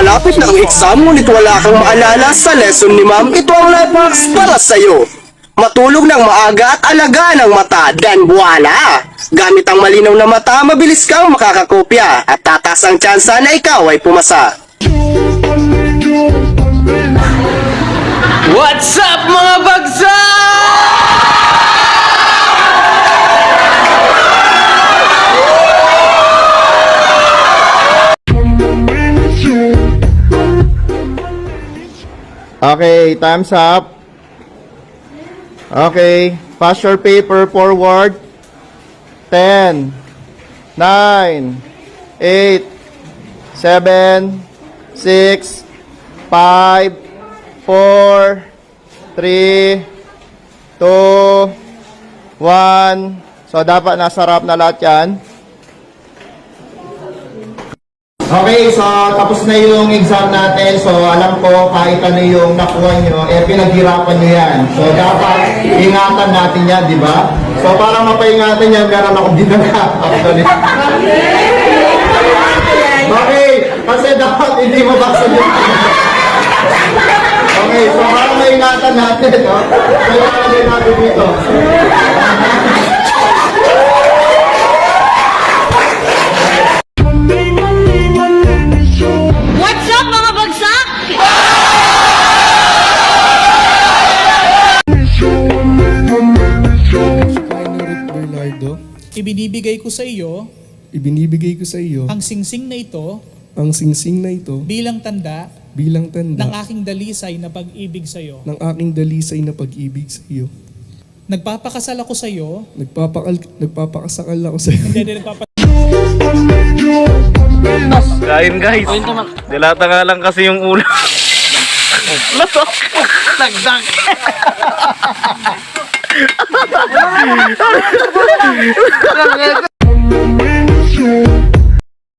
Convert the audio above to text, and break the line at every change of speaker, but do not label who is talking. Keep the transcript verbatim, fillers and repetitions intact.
malapit na ang exam ngunit wala kang maalala sa lesson ni ma'am, ito ang life hacks para sa'yo. Matulog ng maaga at alagaan ang mata, dan voila! Gamit ang malinaw na mata, mabilis kang makakakopya at tatas ang tsansa na ikaw ay pumasa.
What's up mga bagsak?
Okay, time's up. Okay, pass your paper forward. ten, nine, eight, seven, six, five, four, three, two, one. So, dapat nasa harap na lahat yan. Okay, so tapos na yung exam natin. So alam ko kahit ano yung nakuha nyo, eh pinaghirapan nyo yan. So dapat ingatan natin yan, di ba? So para mapaingatan yan, meron ako dinala actually. Okay, kasi dapat hindi mabasa yun. Okay, so para maingatan natin, no? Kailangan din natin dito.
What's up mga bagsak?
Bernardo,
Ibinibigay ko sa iyo
ibinibigay ko sa iyo
ang singsing na ito
ang singsing na ito
bilang tanda
bilang tanda
ng aking dalisay na pag-ibig sa iyo.
ng aking dalisay na pag-ibig sa iyo.
Nagpapakasal ako sa iyo.
Nagpapakal, nagpapakasakal ako sa iyo.
Hindi, hindi, nagpapa-
Kain guys. Dilata nga lang kasi yung ulo. Lasok. Nagdag.